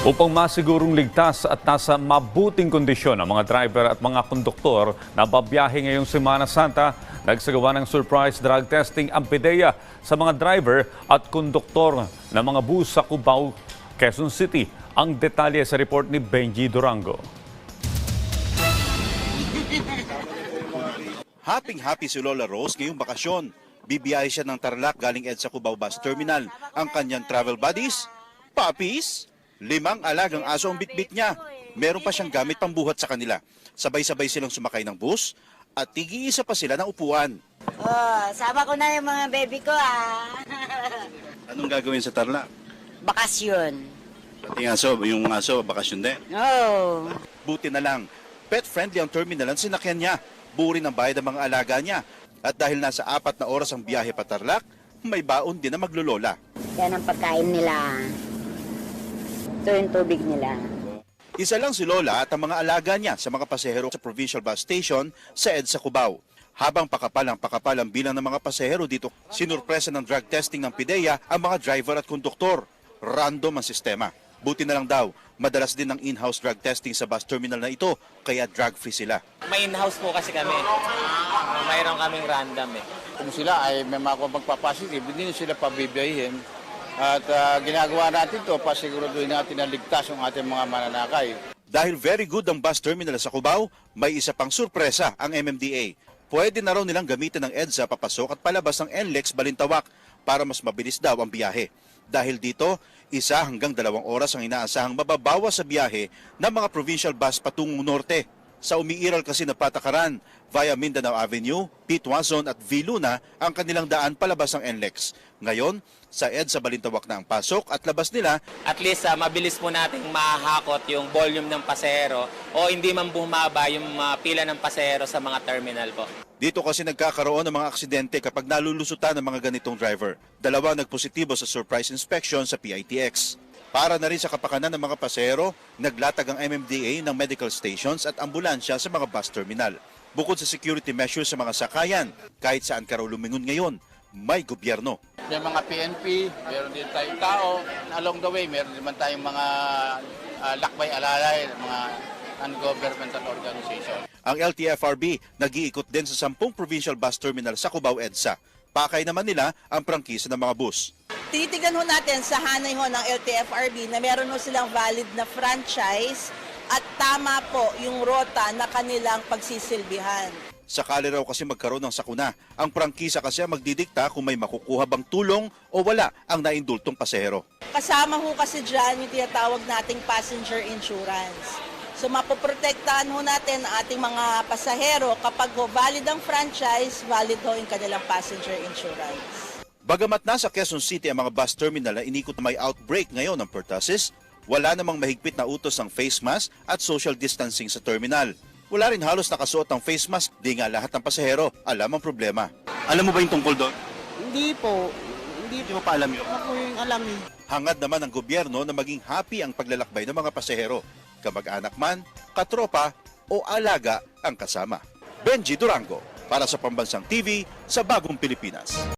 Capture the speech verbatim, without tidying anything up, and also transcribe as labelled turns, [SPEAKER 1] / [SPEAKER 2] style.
[SPEAKER 1] Upang masigurong ligtas at nasa mabuting kondisyon ang mga driver at mga konduktor na babiyahe ngayong Semana Santa, nagsagawa ng surprise drug testing ang PIDEA sa mga driver at konduktor ng mga bus sa Cubao, Quezon City. Ang detalye sa report ni Benji Durango.
[SPEAKER 2] Happy-happy si Lola Rose ngayong bakasyon. Bibiyahe siya ng Tarlac galing EDSA Cubao Bus Terminal. Ang kanyang travel buddies, puppies, limang alagang aso ang bitbit niya. Meron pa siyang gamit pambuhat sa kanila. Sabay-sabay silang sumakay ng bus at tig-iisa pa sila ng upuan.
[SPEAKER 3] Oh, sama ko na yung mga baby ko ah.
[SPEAKER 2] Anong gagawin sa Tarlac?
[SPEAKER 3] Bakasyon.
[SPEAKER 2] Pati aso, yung aso, bakasyon din.
[SPEAKER 3] Oh.
[SPEAKER 2] Buti na lang, pet-friendly ang terminal ang sinakyan niya. Buri ng bayad ang mga alaga niya. At dahil nasa apat na oras ang biyahe pa Tarlac, may baon din na maglolola.
[SPEAKER 3] Yan ang pagkain nila. Ito yung tubig nila.
[SPEAKER 2] Isa lang si Lola at ang mga alaga niya sa mga pasahero sa Provincial Bus Station sa EDSA Cubao. Habang pakapal ang pakapal ang bilang ng mga pasahero dito, sinurpresa ng drug testing ng PIDEA ang mga driver at konduktor. Random ang sistema. Buti na lang daw, madalas din ang in-house drug testing sa bus terminal na ito, kaya drug-free sila.
[SPEAKER 4] May in-house po kasi kami. Mayroon kaming random eh.
[SPEAKER 5] Kung sila ay may mga magpapositive, hindi na sila pabibiyahin. At uh, ginagawa natin ito, pasiguraduhin natin na ligtas ang ating mga mananakay.
[SPEAKER 2] Dahil very good ang bus terminal sa Cubao, may isa pang surpresa ang M M D A. Pwede na raw nilang gamitin ng EDSA papasok at palabas ng N L E X Balintawak para mas mabilis daw ang biyahe. Dahil dito, isa hanggang dalawang oras ang inaasahang mababawas sa biyahe ng mga provincial bus patungong norte. Sa umiiral kasi na patakaran via Mindanao Avenue, Pitwazon at V. Luna ang kanilang daan palabas ng N L E X. Ngayon, sa EDSA Balintawak na ang pasok at labas nila.
[SPEAKER 4] At least uh, mabilis po nating mahakot yung volume ng pasahero o hindi man bumaba yung uh, pila ng pasahero sa mga terminal po.
[SPEAKER 2] Dito kasi nagkakaroon ng mga aksidente kapag nalulusutan ng mga ganitong driver. Dalawa nagpositibo sa surprise inspection sa P I T X. Para na rin sa kapakanan ng mga pasahero, naglatag ang M M D A ng medical stations at ambulansya sa mga bus terminal. Bukod sa security measures sa mga sakayan, kahit saan ka raw lumingon ngayon, may gobyerno.
[SPEAKER 5] May mga P N P, meron din tayong tao. Along the way, meron din man tayong mga uh, lakbay alalay, mga non-governmental organization.
[SPEAKER 2] Ang L T F R B nag-iikot din sa sampung provincial bus terminal sa Cubao EDSA. Pakay naman nila ang prangkisa ng mga bus.
[SPEAKER 6] Titigan ho natin sa hanay ho ng L T F R B na meron ho silang valid na franchise at tama po yung rota na kanilang pagsisilbihan.
[SPEAKER 2] Sakali raw kasi magkaroon ng sakuna. Ang prangkisa kasi ang magdidikta kung may makukuha bang tulong o wala ang naindultong pasahero.
[SPEAKER 6] Kasama ho kasi dyan yung tinatawag nating passenger insurance. So mapoprotektahan ho natin ang ating mga pasahero kapag ho valid ang franchise, valid ho yung kanilang passenger insurance.
[SPEAKER 2] Bagamat nasa Quezon City ang mga bus terminal na inikot na may outbreak ngayon ng pertussis, wala namang mahigpit na utos ng face mask at social distancing sa terminal. Wala rin halos nakasuot ng face mask, di nga lahat ng pasahero alam ang problema. Alam mo ba yung tungkol doon?
[SPEAKER 7] Hindi po. Hindi,
[SPEAKER 2] Hindi mo pa alam yun.
[SPEAKER 7] ako yung alam eh.
[SPEAKER 2] Hangad naman ng gobyerno na maging happy ang paglalakbay ng mga pasahero. Kamag-anak man, katropa o alaga ang kasama. Benji Durango para sa Pambansang T V sa Bagong Pilipinas.